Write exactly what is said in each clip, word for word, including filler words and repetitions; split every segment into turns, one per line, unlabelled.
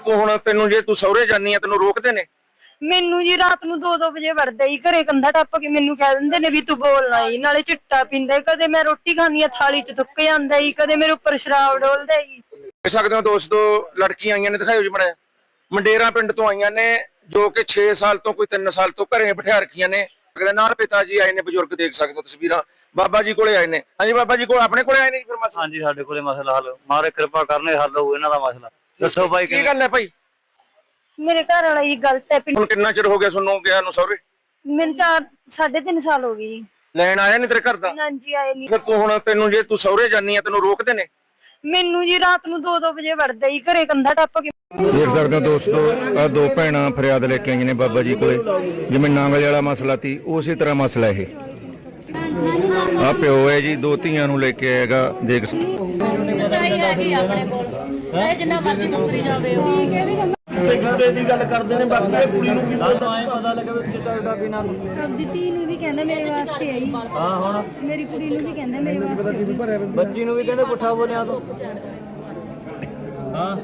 ਤੂੰ ਹੁਣ ਤੈਨੂੰ ਜੇ ਤੂੰ ਸਹੁਰੇ ਜਾਨੀ ਆ ਤੈਨੂੰ ਰੋਕਦੇ ਨੇ?
ਮੈਨੂੰ ਜੀ ਰਾਤ ਨੂੰ ਦੋ ਦੋ ਵਜੇ ਵੜਦਾ ਹੀ ਘਰੇ, ਕੰਧਾ ਟੱਪ ਕੇ ਮੈਨੂੰ ਕਹਿ ਦਿੰਦੇ ਨੇ ਵੀ ਤੂੰ ਬੋਲਣਾ ਹੀ, ਨਾਲੇ ਚਿੱਟਾ ਪੀਂਦਾ, ਕਦੇ ਮੈਂ ਰੋਟੀ ਖਾਣੀ ਆ ਥਾਲੀ ਚ ਥੁੱਕ ਜਾਂਦਾ ਹੀ, ਕਦੇ ਮੇਰੇ ਉੱਪਰ ਸ਼ਰਾਬ ਡੋਲਦਾ ਹੀ।
ਦੇਖ ਸਕਦੇ ਹੋ ਦੋਸਤੋ, ਲੜਕੀਆਂ ਆਈਆਂ ਨੇ, ਦਿਖਾਇਓ ਜੀ ਮੜਾ, ਮੰਡੇਰਾ ਪਿੰਡ ਤੋਂ ਆਈਆਂ ਨੇ, ਜੋ ਕਿ ਛੇ ਸਾਲ ਤੋਂ ਕੋਈ ਤਿੰਨ ਸਾਲ ਤੋਂ ਘਰੇ ਬਿਠਾ ਰੱਖੀਆਂ ਨੇ। ਨਾਲ ਪਿਤਾ ਜੀ ਆਏ ਨੇ, ਬਜ਼ੁਰਗ ਦੇਖ ਸਕਦੇ ਹੋ ਤਸਵੀਰਾਂ, ਬਾਬਾ ਜੀ ਕੋਲੇ ਆਏ ਨੇ। ਹਾਂਜੀ ਬਾਬਾ ਜੀ ਕੋਲ ਆਪਣੇ ਕੋਲੇ ਆਏ ਨੇ ਫਿਰ ਮਸਲਾ?
ਹਾਂਜੀ ਸਾਡੇ ਕੋਲੇ ਮਸਲਾ ਹੱਲ, ਮਾਰੇ ਕਿਰਪਾ ਕਰਨੇ ਹੱਲ ਹੋਊ ਇਹਨਾਂ ਦਾ ਮਸਲਾ। ਦੱਸੋ ਭਾਈ
ਕੀ ਗੱਲ ਹੈ ਭਾਈ?
ਮੇਰੇ ਘਰ ਵਾਲਾ ਹੀ ਗਲਤ ਹੈ।
ਹੁਣ ਕਿੰਨਾ ਚਿਰ ਹੋ ਗਿਆ ਤੁਹਾਨੂੰ ਗਿਆ ਨੂੰ ਸਹੁਰੇ?
ਮੈਨੂੰ ਚਾਰ ਸਾਢੇ ਤਿੰਨ ਸਾਲ ਹੋ ਗਏ।
ਲੈਣ ਆਇਆ ਨਹੀਂ ਤੇਰੇ ਘਰ ਦਾ?
ਹਾਂਜੀ ਆਏ ਨਹੀਂ।
ਫਿਰ ਤੂੰ ਹੁਣ ਤੈਨੂੰ ਜੇ ਤੂੰ ਸਹੁਰੇ ਜਾਨੀ ਆ ਤੈਨੂੰ ਰੋਕਦੇ ਨੇ?
ਮੈਨੂੰ ਜੀ ਰਾਤ ਨੂੰ ਦੋ ਦੋ ਵਜੇ ਵੜਦਾ ਹੀ ਘਰੇ, ਕੰਧਾ ਟੱਪ ਕੇ।
ਦੇਖ ਸਕਦੇ ਹੋ ਦੋਸਤੋ, ਆ ਦੋ ਭੈਣਾਂ ਫਰਿਆਦ ਲੈ ਕੇ ਆਈਆਂ ਨੇ ਬਾਬਾ ਜੀ ਕੋਲੇ। ਜਿਵੇਂ ਨਾਂਗਲ ਵਾਲਾ ਮਸਲਾ ਸੀ ਉਸੇ ਤਰ੍ਹਾਂ ਮਸਲਾ ਇਹ। ਆ ਪਿਓ ਹੈ ਜੀ, ਦੋ ਧੀਆਂ ਨੂੰ ਲੈ ਕੇ ਆਏਗਾ। ਦੇਖ
ਸੱਚਾਈ ਹੈਗੀ ਆਪਣੇ ਕੋਲ, ਚਾਹੇ ਜਿੰਨਾ ਮਰਜ਼ੀ ਮੁਕਰੀ ਜਾਵੇ।
ਗੁੱਡੇ ਦੀ ਗੱਲ ਕਰਦੇ ਨੇ, ਬਾਕੀ ਇਹ ਕੁੜੀ ਨੂੰ ਕੀ ਪਤਾ
ਪਤਾ ਲੱਗਾ ਵੀ ਚਿੱਟਾ ਦਾ ਪੀਣਾ।
ਆਪਦੀ ਧੀ ਨੂੰ ਵੀ ਕਹਿੰਦਾ ਮੇਰੇ ਵਾਸਤੇ ਆਈ।
ਹਾਂ ਹੁਣ
ਮੇਰੀ ਕੁੜੀ ਨੂੰ ਵੀ ਕਹਿੰਦਾ ਮੇਰੇ ਵਾਸਤੇ।
ਬੱਚੀ ਨੂੰ ਵੀ ਕਹਿੰਦੇ ਪੁੱਠਾ ਬੋਲਿਆ ਤੂੰ। ਹਾਂ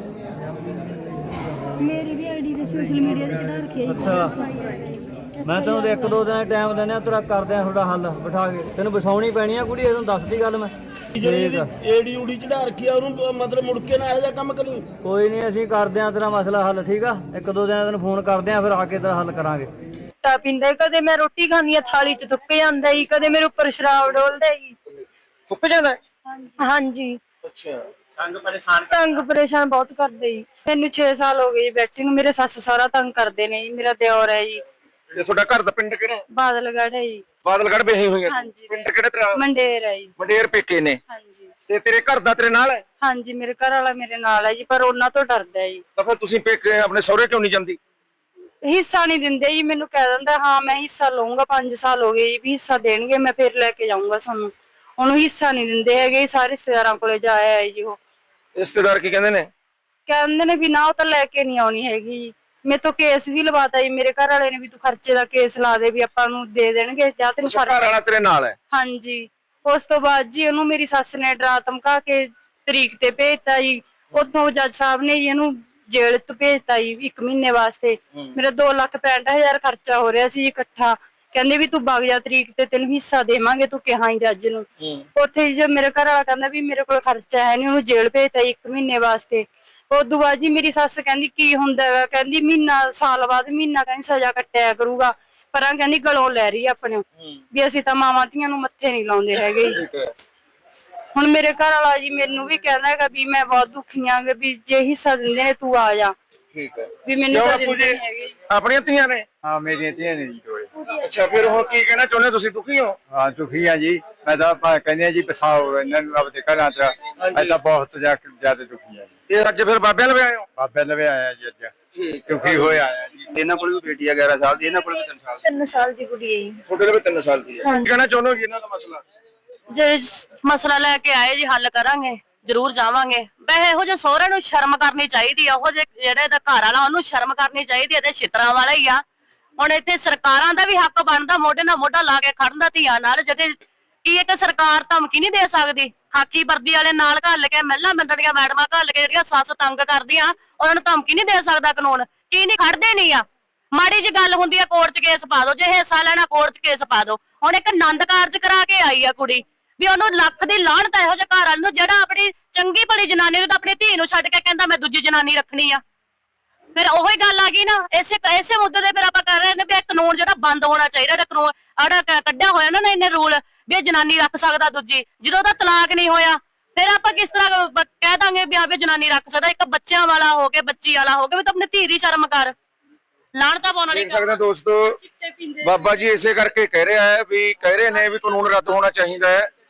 ਮੇਰੀ ਵੀ ਆਈਡੀ ਤੇ ਸੋਸ਼ਲ ਮੀਡੀਆ ਤੇ ਚੜਾ ਰੱਖਿਆ ਜੀ।
ਅੱਛਾ ਮੈਂ ਤੈਨੂੰ ਇੱਕ ਦੋ ਦਿਨ ਟਾਈਮ ਦਿੰਦੇ ਆ, ਤੇਰਾ ਕਰਦੇ ਆ ਤੁਹਾਡਾ ਹੱਲ ਬਿਠਾ ਕੇ। ਤੈਨੂੰ ਵਸਾਉਣੀ ਪੈਣੀ ਆ ਕੁੜੀ, ਇਹਨੂੰ ਦੱਸਦੀ ਗੱਲ ਮੈਂ।
ਜਿਹੜੀ ਏਡੀ ਉਡੀ ਚੜਾ ਰੱਖੀ ਆ ਉਹਨੂੰ ਮਤਲਬ ਮੁੜ ਕੇ ਨਾ ਇਹੋ ਜਿਹਾ ਕੰਮ ਕਰੀ।
ਕੋਈ ਨਹੀਂ, ਅਸੀਂ ਕਰਦੇ ਆ ਤੇਰਾ ਮਸਲਾ ਹੱਲ, ਠੀਕ ਆ? ਇੱਕ ਦੋ ਦਿਨ ਤੈਨੂੰ ਫੋਨ ਕਰਦੇ ਆ, ਫਿਰ ਆ ਕੇ ਤੇਰਾ ਹੱਲ ਕਰਾਂਗੇ।
ਚਿੱਟਾ ਪੀਂਦਾ, ਕਦੇ ਮੈਂ ਰੋਟੀ ਖਾਣੀ ਆ ਥਾਲੀ ਚ ਥੁੱਕ ਜਾਂਦਾ ਹੀ, ਕਦੇ ਮੇਰੇ ਉੱਪਰ ਸ਼ਰਾਬ ਡੋਲਦਾ ਹੀ।
ਥੁੱਕ ਜਾਂਦਾ?
ਹਾਂਜੀ।
ਅੱਛਾ।
ਤੰਗ ਪਰੇਸ਼ਾਨ ਤੰਗ ਪਰੇਸ਼ਾਨ ਬਹੁਤ ਕਰਦੇ ਜੀ। ਮੈਨੂੰ ਛੇ ਸਾਲ ਹੋ ਗਏ ਜੀ ਬੈਠੀ ਨੂੰ। ਮੇਰੇ ਸੱਸ ਸਹੁਰਾ ਤੰਗ ਕਰਦੇ ਨੇ ਜੀ। ਮੇਰਾ ਦਿਓਰ ਹੈ ਜੀ।
ਤੇ ਤੁਹਾਡਾ ਘਰ ਦਾ ਪਿੰਡ ਕਿਹੜਾ?
ਬਾਦਲਗੜ੍ਹ ਹੈ ਜੀ।
ਬਾਦਲਗੜ੍ਹ ਵਿਆਹੀ ਹੋਈ ਹੈ?
ਹਾਂਜੀ।
ਪਿੰਡ ਕਿਹੜਾ ਤੇਰਾ?
ਮੰਡੇਰ ਹੈ ਜੀ।
ਮੰਡੇਰ ਪੇਕੇ ਨੇ?
ਹਾਂਜੀ।
ਤੇ ਤੇਰੇ ਘਰ ਦਾ ਤੇਰੇ ਨਾਲ ਹੈ?
ਹਾਂਜੀ ਮੇਰੇ ਘਰ ਵਾਲਾ ਮੇਰੇ ਨਾਲ ਹੈ ਜੀ, ਪਰ ਉਹਨਾਂ ਤੋਂ ਡਰਦਾ ਹੈ ਜੀ।
ਤਾਂ ਫਿਰ ਤੁਸੀਂ ਪੇਕੇ ਆਪਣੇ ਸਹੁਰੇ ਕਿਉਂ ਨਹੀਂ ਜਾਂਦੀ?
ਹਿੱਸਾ ਨਹੀਂ ਦਿੰਦੇ ਜੀ। ਮੈਨੂੰ ਕਹਿ ਦਿੰਦਾ ਹਾਂ ਮੈਂ ਹਿੱਸਾ ਲਊਂਗਾ, ਪੰਜ ਸਾਲ ਹੋ ਗਏ ਜੀ ਵੀ ਹਿੱਸਾ ਦੇਣਗੇ, ਮੈਂ ਫਿਰ ਲੈ ਕੇ ਜਾਊਂਗਾ ਤੁਹਾਨੂੰ। ਉਹਨੂੰ ਹਿੱਸਾ ਨਹੀਂ ਦਿੰਦੇ ਹੈਗੇ। ਸਾਰੇ ਰਿਸ਼ਤੇਦਾਰਾਂ ਕੋਲੇ ਜਾਇਆ ਹੈ ਜੀ। ਉਹ
ਰਿਸ਼ਤੇਦਾਰ ਕੀ ਕਹਿੰਦੇ ਨੇ?
ਕਹਿੰਦੇ ਨੇ ਵੀ ਨਾ ਉਹ ਤਾਂ ਲੈ ਕੇ ਨਹੀਂ ਆਉਣੀ ਹੈਗੀ ਜੀ। ਮੇਰੇ ਤੋਂ ਕੇਸ ਵੀ ਲਵਾਤਾ ਜੀ ਮੇਰੇ ਘਰ ਵਾਲੇ ਨੇ ਵੀ ਤੂੰ ਖਰਚੇ ਦਾ ਕੇਸ ਲਾ ਦੇ, ਵੀ ਆਪਾਂ ਨੂੰ ਦੇ ਦੇਣਗੇ ਜਾਂ ਤੈਨੂੰ
ਘਰ ਵਾਲਾ ਤੇਰੇ ਨਾਲ ਹੈ?
ਹਾਂਜੀ। ਉਸ ਤੋਂ ਬਾਅਦ ਜੀ ਉਹਨੂੰ ਮੇਰੀ ਸੱਸ ਨੇ ਡਰਾ ਧਮਕਾ ਕੇ ਤਰੀਕ ਤੇ ਭੇਜਤਾ ਜੀ। ਉੱਥੋਂ ਜੱਜ ਸਾਹਿਬ ਨੇ ਜੀ ਇਹਨੂੰ ਜੇਲ੍ਹ ਤੋਂ ਭੇਜਤਾ ਜੀ ਇੱਕ ਮਹੀਨੇ ਵਾਸਤੇ। ਮੇਰਾ ਦੋ ਲੱਖ ਪੈਂਹਠ ਹਜ਼ਾਰ ਖਰਚਾ ਹੋ ਰਿਹਾ ਸੀ ਇਕੱਠਾ। ਕਹਿੰਦੇ ਵੀ ਤੂੰ ਵਗ ਜਾ ਤਰੀਕ ਤੇ, ਤੈਨੂੰ ਹਿੱਸਾ ਦੇਵਾਂਗੇ, ਤੂੰ ਕਿਹਾ ਹੀ ਜੱਜ ਨੂੰ। ਉੱਥੇ ਜੇ ਮੇਰੇ ਘਰ ਵਾਲਾ ਕਹਿੰਦਾ ਵੀ ਮੇਰੇ ਕੋਲ ਖਰਚਾ ਹੈ ਨਹੀਂ, ਉਹਨੂੰ ਜੇਲ੍ਹ ਭੇਜਤਾ ਇੱਕ ਮਹੀਨੇ ਵਾਸਤੇ। ਉਦੋਂ ਬਾਅਦ ਜੀ ਮੇਰੀ ਸੱਸ ਕਹਿੰਦੀ ਕੀ ਹੁੰਦਾ ਹੈਗਾ, ਕਹਿੰਦੀ ਮਹੀਨਾ ਸਾਲ ਬਾਅਦ ਮਹੀਨਾ ਕਹਿੰਦੀ ਸਜ਼ਾ ਕੱਟਿਆ ਕਰੂਗਾ, ਪਰ ਆ ਕਹਿੰਦੀ ਗਲੋਂ ਲੈ ਰਹੀ ਆਪਣੇ ਵੀ ਅਸੀਂ ਤਾਂ ਮਾਵਾਂ ਧੀਆਂ ਨੂੰ ਮੱਥੇ ਨਹੀਂ ਲਾਉਂਦੇ ਹੈਗੇ। ਹੁਣ ਮੇਰੇ ਘਰ ਵਾਲਾ ਜੀ ਮੈਨੂੰ ਵੀ ਕਹਿੰਦਾ ਹੈਗਾ ਵੀ ਮੈਂ ਬਹੁਤ ਦੁਖੀ ਆਂ ਵੀ ਜੇ ਹਿੱਸਾ ਦਿੰਦੇ ਨੇ ਤੂੰ ਆ ਜਾ।
ਠੀਕ ਹੈ
ਵੀ ਮੈਨੂੰ ਤਾਂ ਦਿੰਦੇ ਨਹੀਂ ਹੈਗੇ।
ਆਪਣੀਆਂ ਧੀਆਂ ਨੇ?
ਹਾਂ ਮੇਰੀਆਂ ਧੀਆਂ ਨੇ ਜੀ ਦੋਏ।
ਅੱਛਾ ਫਿਰ ਹੁਣ ਕੀ ਕਹਿਣਾ ਚਾਹੁੰਦੇ ਹੋ ਤੁਸੀਂ? ਦੁਖੀ ਹੋ?
ਹਾਂ ਦੁਖੀ ਆ ਜੀ। ਮੈਂ ਤਾਂ ਕਹਿੰਦੇ ਆ ਜੀ ਪਸਾਓ ਇਹਨਾਂ ਨੂੰ ਆਪਦੇ ਘਰਾਂ ਚ। ਮੈਂ ਤਾਂ ਬਹੁਤ ਜ਼ਿਆਦਾ ਦੁਖੀ ਆ ਜੀ।
ਇਹ ਅੱਜ ਫਿਰ ਬਾਬਿਆਂ ਲਵੇ ਆਏ ਹੋ?
ਬਾਬੇ ਲਵੇ ਆਇਆ ਜੀ ਅੱਜ, ਦੁਖੀ ਹੋਇਆ ਆਇਆ ਜੀ। ਇਹਨਾਂ ਕੋਲ ਵੀ ਬੇਟੀ ਆ ਗਿਆਰਾਂ ਸਾਲ ਦੀ, ਇਹਨਾਂ ਕੋਲ ਵੀ ਤਿੰਨ ਸਾਲ ਦੀ।
ਤਿੰਨ ਸਾਲ ਦੀ ਕੁੜੀ ਹੈ ਜੀ।
ਤੁਹਾਡੇ ਲਵੇ ਤਿੰਨ ਸਾਲ ਦੀ ਹੈ। ਕੀ ਕਹਿਣਾ ਚਾਹੁੰਦੇ ਹੋ ਜੀ ਇਹਨਾਂ ਦਾ ਮਸਲਾ?
ਜੇ ਮਸਲਾ ਲੈ ਕੇ ਆਏ ਜੀ ਹੱਲ ਕਰਾਂਗੇ, ਜ਼ਰੂਰ ਜਾਵਾਂਗੇ। ਵੈਸੇ ਇਹੋ ਜਿਹੇ ਸਹੁਰੇ ਨੂੰ ਸ਼ਰਮ ਕਰਨੀ ਚਾਹੀਦੀ ਆ। ਉਹ ਜੇ ਜਿਹੜੇ ਦਾ ਘਰ ਵਾਲਾ ਉਹਨੂੰ ਸ਼ਰਮ ਕਰਨੀ ਚਾਹੀਦੀ ਹੈ। ਤੇ ਛਿੱਤਰਾਂ ਵਾਲਾ ਹੀ ਆ। ਹੁਣ ਇੱਥੇ ਸਰਕਾਰਾਂ ਦਾ ਵੀ ਹੱਕ ਬਣਦਾ ਮੋਢੇ ਨਾਲ ਮੋਢਾ ਲਾ ਕੇ ਖੜਨ ਦਾ ਧੀਆਂ ਨਾਲ। ਜਿਹੜੇ ਕੀ ਇੱਕ ਸਰਕਾਰ ਧਮਕੀ ਨਹੀਂ ਦੇ ਸਕਦੀ? ਖਾਕੀ ਵਰਦੀ ਵਾਲੇ ਨਾਲ ਘੱਲ ਕੇ, ਮਹਿਲਾ ਮੰਡਲ ਦੀਆਂ ਮੈਡਮਾਂ ਘੱਲ ਕੇ ਜਿਹੜੀਆਂ ਸੱਸ ਤੰਗ ਕਰਦੀਆਂ, ਉਹਨਾਂ ਨੂੰ ਧਮਕੀ ਨਹੀਂ ਦੇ ਸਕਦਾ ਕਾਨੂੰਨ? ਕੀ ਨਹੀਂ ਖੜਦੇ ਨਹੀਂ ਆ? ਮਾੜੀ ਜੀ ਗੱਲ ਹੁੰਦੀ ਆ ਕੋਰਟ 'ਚ ਕੇਸ ਪਾ ਦੋ, ਜੇ ਹਿੱਸਾ ਲੈਣਾ ਕੋਰਟ 'ਚ ਕੇਸ ਪਾ ਦੋ। ਹੁਣ ਇੱਕ ਆਨੰਦ ਕਾਰਜ ਕਰਾ ਕੇ ਆਈ ਆ ਕੁੜੀ, ਵੀ ਉਹਨੂੰ ਲੱਖ ਦੀ ਲਾਹਨਤ ਇਹੋ ਜਿਹੇ ਘਰ ਵਾਲੇ ਨੂੰ ਜਿਹੜਾ ਆਪਣੀ ਚੰਗੀ ਭਲੀ ਜਨਾਨੀ ਨੂੰ ਤਾਂ ਆਪਣੀ ਧੀ ਨੂੰ ਛੱਡ ਕੇ ਕਹਿੰਦਾ ਮੈਂ ਦੂਜੀ ਜਨਾਨੀ ਰੱਖਣੀ ਆ। ਫਿਰ ਉਹੀ ਗੱਲ ਆ ਗਈ ਨਾ। ਇਸੇ ਇਸੇ ਮੁੱਦੇ ਤੇ ਫਿਰ ਆਪਾਂ ਕਰ ਰਹੇ ਨੇ ਵੀ ਇਹ ਕਾਨੂੰਨ ਜਿਹੜਾ ਬੰਦ ਹੋਣਾ ਚਾਹੀਦਾ। ਜਿਹੜਾ ਕਾਨੂੰਨ ਆੜਾ ਕੱਢਿਆ ਹੋਇਆ ਨਾ ਇਹਨੇ ਰੂਲ ਵੀ ਇਹ ਜਨਾਨੀ ਰੱਖ ਸਕਦਾ ਦੂਜੀ, ਜਦੋਂ ਉਹਦਾ ਤਲਾਕ ਨਹੀਂ ਹੋਇਆ ਫਿਰ ਆਪਾਂ ਕਿਸ ਤਰ੍ਹਾਂ ਕਹਿ ਦਾਂਗੇ ਵੀ ਆਪੇ ਜਨਾਨੀ ਰੱਖ ਸਕਦਾ? ਇੱਕ ਬੱਚਿਆਂ ਵਾਲਾ ਹੋ ਕੇ, ਬੱਚੀ ਵਾਲਾ ਹੋ ਕੇ, ਵੀ ਤੂੰ ਆਪਣੀ ਧੀ ਦੀ ਸ਼ਰਮ ਕਰ। ਲਾਹਨਤਾਂ ਪਾਉਣ ਵਾਲੀ
ਦੇਖ ਸਕਦੇ ਦੋਸਤੋ, ਬਾਬਾ ਜੀ ਇਸੇ ਕਰਕੇ ਕਹਿ ਰਿਹਾ ਹੈ ਵੀ ਕਹਿ ਰਹੇ ਨੇ ਵੀ ਕਾਨੂੰਨ ਰੱਦ ਹੋਣਾ ਚਾਹੀਦਾ ਹੈ।